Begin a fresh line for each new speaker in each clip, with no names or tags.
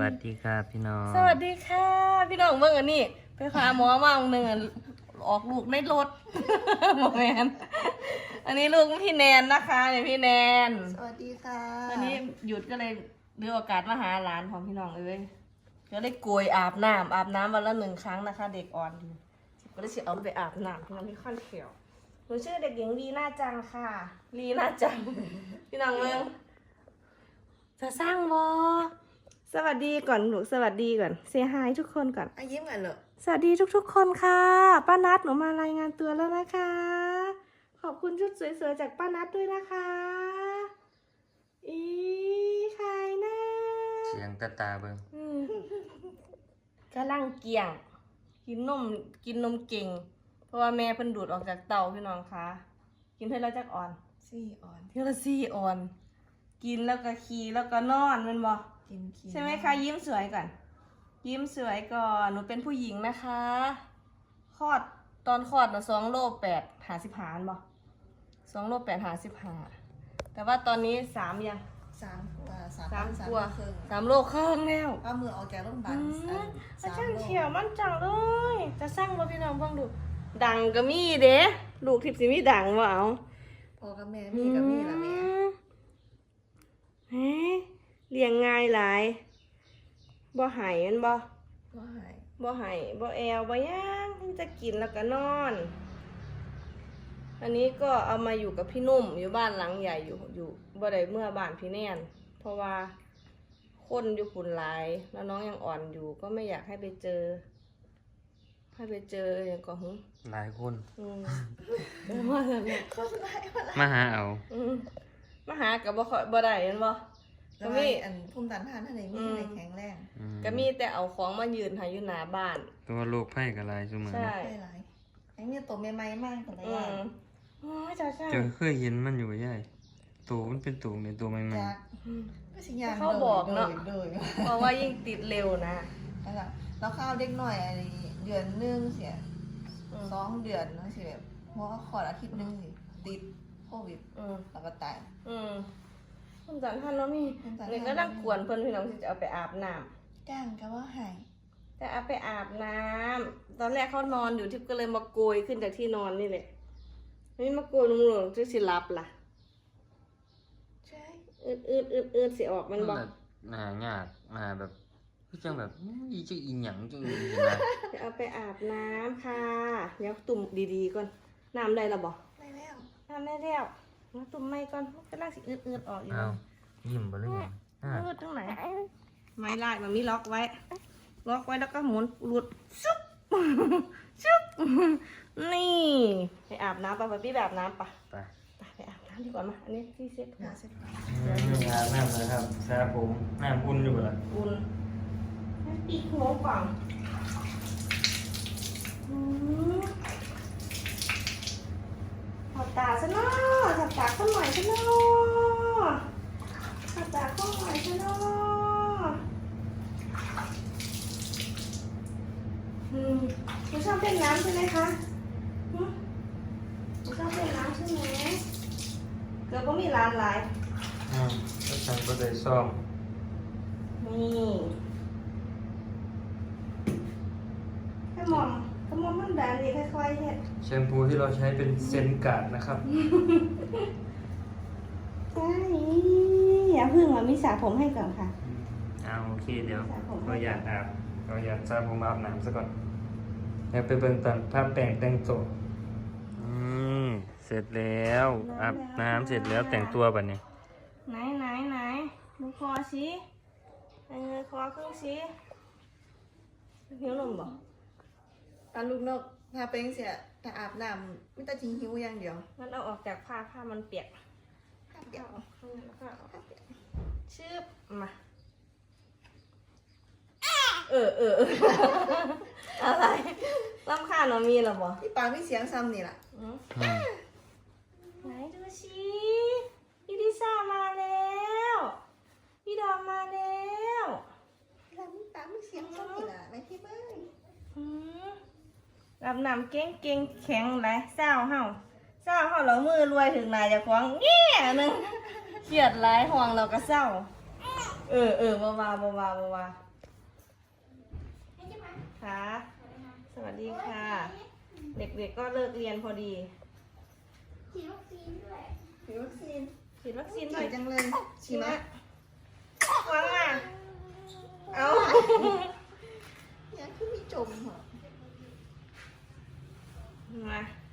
วัสดีครับพี่น้อง
สวัสดีค่ะพี่น้องเบิ่งอันนี้ไปหาหมอมาหนึ่งออกลูกในรถ หมอแมนอันนี้ลูกพี่แนนนะคะเนี่ยพี่แนน
สวัสดีค่ะ
อันนี้หยุดก็เลยเลือกโอกาสมาหาหลานของพี่น้องเลยก็เลยโกยอาบน้ำวันละ1 ครั้งนะคะ เด็กอ่อนอยู่ก็เลยเอาไปอาบน้ำพี่น้องที่ขั้นเขียวหนูชื่อเด็กหญิงลีน่าจังค่ะลีน่าจัง พี่น้องเมืองจะสร้างบอสวัสดีก่อนหนูสวัสดีก่อนเซฮายทุกคนก่อน
ยิ้มกันเหรอ
สวัสดีทุกๆคนค่ะป้านัทหนูมารายงานตัวแล้วนะคะ ขอบคุณชุดสวยๆจากป้านัทด้วยนะคะอีใครนะ
เสียงตาเบิ่ง
กำลังเกี่ยงกินนมเก่ง เพราะว่าแม่เพิ่นดูดออกจากเตาพี่น้องคะกินเท่าไรจักอ่อน
สี่ออน
เท่าละ4 อ่อน กินแล้วก็ขี่แล้วก็นอนแมันบ่
กินขี้
ใช่ไหมคะยิ้มสวยก่อนยิ้มสวยก่อนหนูเป็นผู้หญิงนะคะตอนคลอดนะ2 โล 8 55บ่2 โล 8 55แต่ว่าตอนนี้3ยัง
3 กว่า
3 กว่า
ครึ่ง
3 โลครึ่งแล้ว
ป้ามือออกจากโรงพยาบาล
อาจารย์เขียวมั่นจังเลยจะสร้างบ่พี่น้องเบิ่งดูดังก็มีเด้ลูกทิพย์สิมีดังบ่เอา
พ่อกับแม่มีกับมีละแม่
เฮ้เลี้ยงง่ายหลายบ่หายมันบ่
ว่าหาย
บ่ให้บ่แอวบ่ย่างจะกินแล้วก็นอน อันนี้ก็เอามาอยู่กับพี่นุ่มอยู่บ้านหลังใหญ่อยู่บ่ได้เมื่อบ้านพี่แน่นเพราะว่าคนอยู่ฝุ่นหลายแล้วน้องยังอ่อนอยู่ก็ไม่อยากให้ไปเจออย่างก็หึ
หลายคน
มาเถอะแม่
มาหาเอา
มาหากับบ่ได้เห็นบ่
แล้วมีอันภูมิต้านทานท่านไหนมีท่านไหนแข็งแรง
ก็มีแต่เอาของมายืนให้อยู่หน้าบ้าน
ตัวโรคไผ่กับลายซุมื้อ
ใช่
ได้หลายไอ้เนี่ยตัวใหม่ๆมากแต่ละ
อื
อย่าง
มอ๋อจ้า
เจอเคยเห็นมันอยู่ใหญ่ตัวมันเป็นตัวในตัวใหม่
จากไม่ใช่ยาง
เขาบอกเนาะ
โดย
เพราะว่ายิ่งติดเร็วนะ
นั่นแหละแล้วข้าวเด็กหน่อยอะไรเดือนนึงเสีย2 เดือนเนาะสิแบบเพราะว่าขออาทิตย์นึงสิติดโควิดแล้วก็ตาย
คุณจันท่านเนาะมี
ภูมิต้านทาน
เลยก็นั่งกวนเพิ่นพี่น้องที่จะเอาไปอาบน้ำ
จ้างก็ว่าหาย
แต่เอาไปอาบน้ำตอนแรกเขานอนอยู่ทิพย์ก็เลยมาโกยขึ้นจากที่นอนนี่แหละนี่มาโกยลงจะสิรับล่ะ
ใช่
อืดสิออก
ๆ
มันบอก
แบบหายากมาแบบคือจังแบบอีจะอีหยังจังอีนะ
จะเอาไปอาบน้ำค่ะเดี๋ยวตุ่มดีๆก่อนน้ำได้ละบอก
ได้แล้ว
น้ำได้แล้วมาตุ่มไม่ก่อนก็ล่างสิอืดออกอยู่
เอายิ้มบ่เลยอ่ะ
อืดตรงไหนไม่ลายมันมีล็อกไว้แล้วก็หมุนหลุดชุบ ชุบนี่ไปอาบน้ำไปพี่แบบน้ำปะ
ไป
ไปอาบน้ำดีกว่ามาอันนี้ที่เซ็ตหัว
เสร็จแล้ว
อาบน้ำเลยครับสระผมน้ำอุ่นอยู่ล่ะ
อุ่นปีกหัวก่อนถอดตาซะเนาะถอดตาข้างหน่อยซะเนาะถอดตาข้างหน่อยซะเนาะคุณชอบเล่นน้ำใช่ไหมคะคุณชอบเล่นน้ำใช่ไหมเกือบก็มีร้านหลาย
ก็ฉันก็ได้ซ่อม
นี่ขมอมมันแบบนี้ค่อยๆเฮ็ด
แชมพูที่เราใช้เป็นเซนการ์ดนะครับ
ใช่อย่าพึ่งมามีสระผมให้ก่อนค่ะ
เอาโอเคเดี๋ยว
สระผม
เราอยากอาบเราอยากสระผมอาบน้ำซะก่อนเดี๋ยวไปเบิ่งตอนภาพแต่งตัวเสร็จแล้วอาบน้ำเสร็จแล้วแต่งตัวบัดนี้
ไหนดูคอสิเงยคอครึ่งสิหิวนมบ่
ตอนลูกนกพาไปเสียแต่อาบน้ำไม่ต้องทิ้งหิวอย่างเดียว
มันเอาออกจากผ้ามันเปียก
เดี๋ยว
เอาข้างในแล้วก็เอาออกชืบมาอะไรรำคาญหนูมีหรอบ่
ที่ปากมีเสียงซ้ำนี่แหละ
ไหนดูสิพี่ลิซ่ามาแล้วพี่ดอมมาแล้ว
แล้วมีปากมีเสียงซ้ำนี่แหละไม่ที่เบิ้ง
รับน้ำเก่งแข็งไรเศร้าเฮาเรามือรวยถึงนายจะคว้างเงี้ยหนึงเครียดไรห่วงเราก็เศร้าบ่ว่าคะ สวัสดีค่ะ เด็กๆก็เลิกเรียนพอดี
ฉีดวัคซีนด้วยฉีดวัคซีน
ฉีดวัคซีนหน่
ฉี
อย
ดจังเลยฉีดไหม
วางมาเอา
ยังคือมีจมเหรอ
มา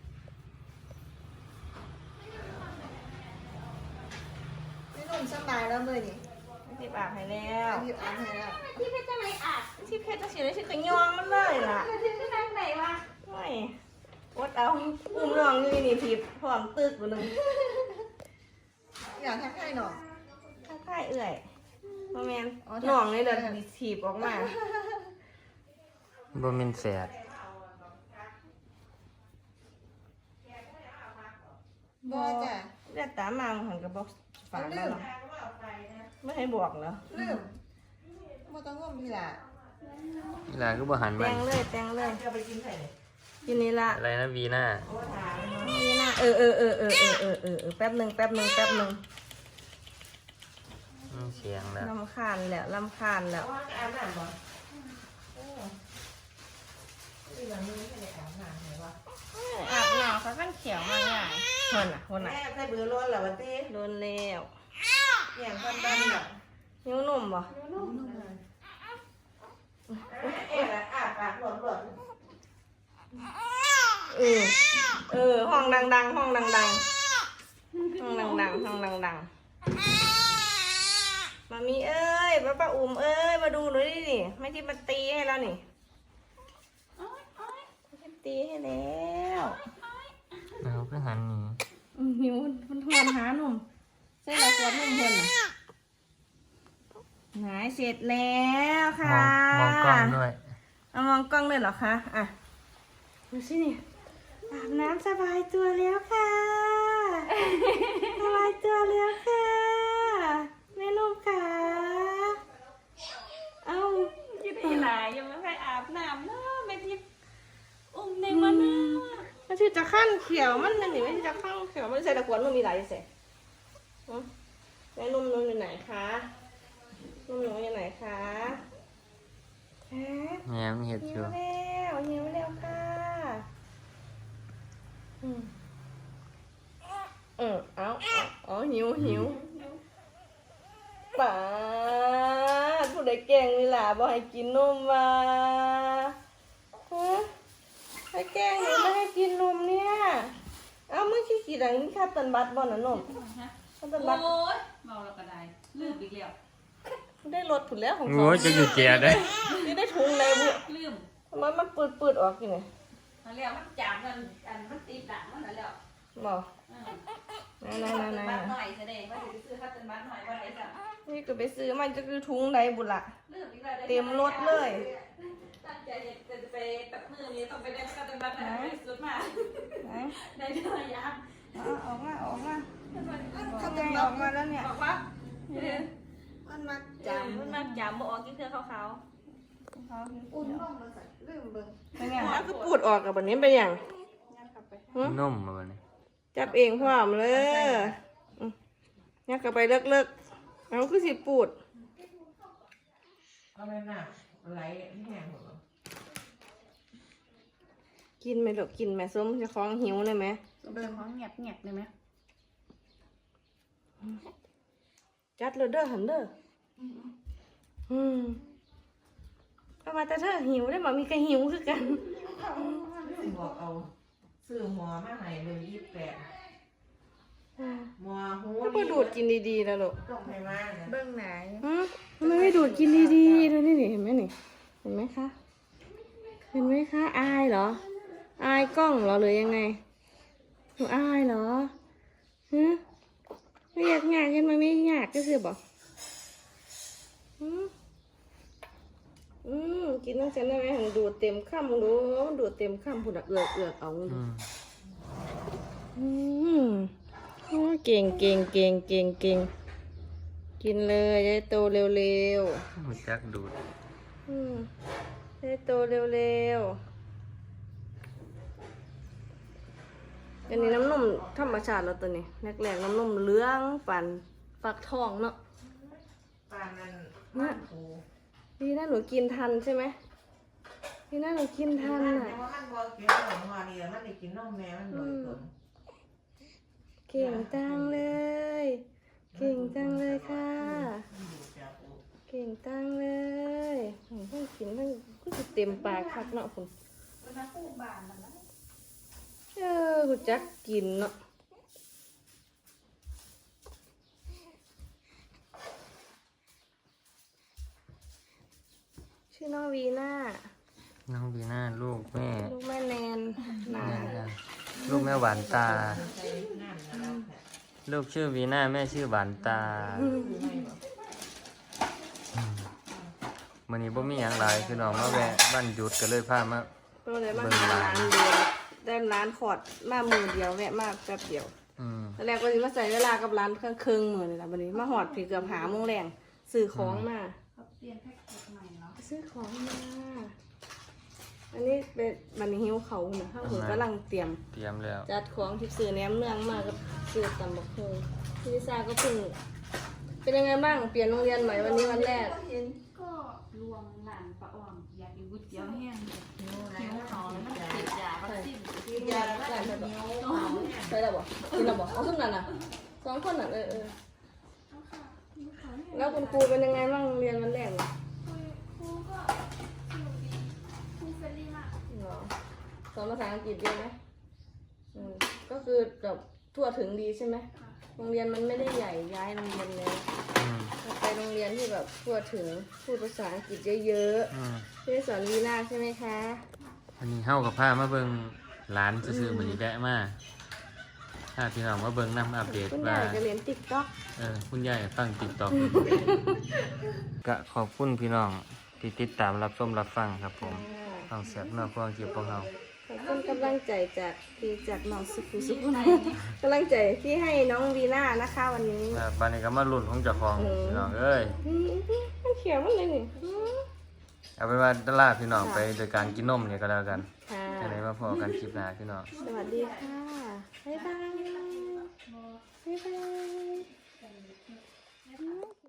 ไม่นุ่มสบายแล้วเลยนี่
ที่อาบให้แล้ว
หยิบอ่านให้แล้ว
ที่เพชรจะไหนอาบที่เพชรจะฉีดได้ฉีดกระยองมันเลยล่ะ
ที่ไหนไหนวะ
ไม่อดเอาอุ้มน้องอยู่นี่ทิพย์พร้อมตึกบ่นึง
อยากทักให้หน่อย
ข้างใต้เอื่อยบ่แม่น
อ๋อ
น้องนี่เดินถีบออกมา
บ่แม่นแฝด
บอจ้ะ
เลือดตามมาหันกับบอกฝา
ลื
แล้ว
ม
เนาะไม่ให้บอกเหรอ
ลืมบ่ต้องงมพี่ล่ะ
เวลาก็บ่หัน
แต
มาง
เลยแตงเลยกินนี่ละ
อะไรนะวีน่า
นี่นะแป๊บหนึ่ง
เสียงแล้ว
ลำคาญแล้วลำคาญแล้วอาบน้ำเขาขั้นเขียวมาง่ายคนน่ะ
แม่ใส่เบอร์ร้อนเหรอวันที่
โดนแล้ว
อย่างความดันเหรอ
นิ้วหนุ่มบ่
เอ๊ะอาปากหลอน
ห้องดังๆห้องดังๆมามีเอ้ยป้าอุ้มเอ้ยมาดูหน่อยดินี่ไม่ที่มาตีให้แล้วนี่ตีให้แล้ว
เราก็หันหนี
หิวมันทวนหาหนุ่มใช่แล้วตัวหนุ่มเพิ่นน่ะหายเสร็จแล้วค่ะ
มองกล้องด้วย
เอามองกล้องเลยเหรอคะอ่ะดูสินี่อาบน้ำสบายตัวแล้วค่ะสบายตัวแล้วค่ะแม่นุ่มค่ะเอายืดอีหลายยังไม่ไปอาบน้ำเนาะแม่ทิพย์อุ้มในมันนะมันชื่อจะขั้นเขียวมันนั่นนี่ไม่ใช่จะขั้นเขียวมันใส่ตะกวนมันมีหลายเสร็จแม่นุ่มอยู่ไหนคะนุ่มหนูอยู่ไหนคะฮะ
แง้มเห็ด
หิ
อ
ว
ยู่
แล้วค่ะเอาหิวป๋าผู้ใดแกล้งนี่ล่ะบอกให้กินนมมาฮะให้แกล้งนี่ไม่ให้กินนมเนี่ยเอาเมื่อกี้กี่ดังนี่ค่าตันบัตรบ่น่ะนมค่าตันบัตร
โอ้ยเมาแล้วก็ได้ลืมอีกแล้ว
ได้รถผุดแล้วของ
โอ้ยจะอยู่แก่ได้
นี่ได้ถุงเลยบุ
ลืม
ทำไมมันปืดออกอยู่ไง
มาแล้วมันจามกันอันมันตีดังมันแล้ว
บอกไหน
บ้านหน่อยแสดงว่าจะไปซื้อข้าวต้มบ้านหน่อยว่าไหนจ้ะ
นี่ก็ไปซื้อมันจะคือถุงใดบุละ
ลืมอีกแล้ว
เต็มรถเลย
ตั้งใจจะไปแบบมือนี้ต้องไปได้ข้าวต้มบ้านหน่อยไปสุดมา
ไหน
ได้เท่าไหร่ยัง
ออกมาออกมา
เขา
ไง
จะ
ออกมาแล้วเนี่ย
บอกว่า
มันมา
จา
จาม ม
มันมาจามบ่ออกกินเพื่อเขา
อุ่นบ้องมาใส่ลืมเบิ่ง
เป็นไงมันก็ปูดออกกับแบบนี้เป็นอย่าง
นุ่มมาวันนี้
จับเองพร้อมเลยเนี่ยกลับไปเลิกเอาคือสิปูด
เอาไปหนักไหลแห้งหมด
กินไหมลูกกินไหมส้มจะคล้องหิวเลยไหม
เบิ่งของเงียบเลยไหม
จัดเลยเด้อหันเด้อเอามาแต่เธอหิวได้มามีกระหิวคือกัน
บอกเอาซื้อหัวมาให้เบอร์28หัวหู
ถ้าก็ดูดกินดีๆแล้วลูก
ต้องให้มาเบิ่งไหน
ทำไมไม่ดูดกินดีๆดูนี่เห็นไหมนี่เห็นไหมคะเห็นไหมคะอายเหรออายกล้องเหรอหรือยังไงหนูอายเหรอฮะไม่อยากงานกันมันไม่อยากก็คือบอกกินน้ำเส้นได้ไหมหันดูดเต็มข้ามดูดูดเต็มข้ามผุดเอือกเอาดูโอ้เก่งกินเลยได้โตเร็ว
หูจักดูด
ได้โตเร็วอันนี้น้ำนมธรรมชาติแล้วตัวนี้แรกๆน้ำนมเหลืองปั่นฝักทองเนาะ
ปานนั้นบ้านโห
ดีนะหนูกินทันใช่ไหมพี่น่าหนูกินทันอ่ะ
ว่ามันบ่กินขนมมาดีมันได้กินนมแม่มันบ่อยก่อน
เก่งจังเลย เก่งจังเลยค่ะ เก่งจังเลยทั้งกินทั้งก็จะเต็มปากคักเนาะคุณกูจักกินเนาะชื่อน้องวีน่า
น้องบีน่าลูกแม่
ลูกแม่แนนนา
ลูกแม่หวานตา ลูกชื่อวีน่าแม่ชื่อหวานตามื้อนี้บ่มีหยังหลายคือน้องมาแวะบ้านหยุดก็เลยพามา
ก็เลยมาหาร้านเดียวได้ร้านขอดมามือเดียวแวะมาแป๊บเดียว
อืม
ตอนแรกก็จะมาใส่เวลากับร้านเครื่องมือเลยล่ะวันนี้มาหอดผีเกือบหาโมงแรงซื้อของมา
เปลี่ยนแพ็กเกจใหม่เนาะ
ซื้อของมา อันนี้เป็นบันนี้หิวเขาเนี่ยข้าวหูกำลังเตรียม
เตรียมแล้ว
จัดของที่ซื้อแหนมเนืองมากับซื้อตำบักหุ่งพี่ลิซ่าก็เพิ่งเป็นยังไงบ้างเปลี่ยนโรงเรียนใหม่วันนี้วันแรก
ก็รวมหลานปลาอ่อมอยากกินก๋วยเตี๋ยวแห้งหิวเขาแล้วมันติดยาวัคซีน
ยาใส่ไปบอกใส่แล้วบอกกินแล้วบอกเอาขึ้นนั่นน่ะสองคนน่ะแล้วคุณครูเป็นยังไงบ้างเรียนวันแรกเหรอ
ครูก็สนุกดีครูเฟรนลี่มาก
เหรอสอนภาษาอังกฤษเยอะไหมก็คือแบบทั่วถึงดีใช่ไหมโรงเรียนมันไม่ได้ใหญ่ย้ายโรงเรียนแล้ว
อืม
ไปโรงเรียนที่แบบทั่วถึงพูดภาษาอังกฤษเยอะ
อืม
ๆที่สอนวีน่าใช่ไหมคะ
วันนี้เฮากับพามาเบิ่งหลานซื่อๆมื้อนี้แวะมาพาพี่น้องมาเบิ่งนํอัปเดต
คุณยา
ว่า
ยก็เรียนติ๊กต็อก
คุณยายฟัง TikTok ก็ขอบคุณพี่น้องที่ติดตามรับชมรับฟังครับผมฟังเสียงนอกฟังคลิปของเรา
ขอบคุณกำลังใจจากน้องสุขุสุขุกำลังใจที่ให้น้องวีน่านะคะวันนี้
บัดนี้ก็มาลุ้นของเจ้าของพี่น้องเอ้ย
มันเขียวมันเลยนี่
เอาเป็นว่าตลาดพี่น้องไปโดยการกินนมเนี่ยก็แล้วกัน
ค่ะ
จะได้มาพอกันคลิปหน้าพี่น้อง
สวัสดีค่ะ บ๊ายบาย บ๊ายบาย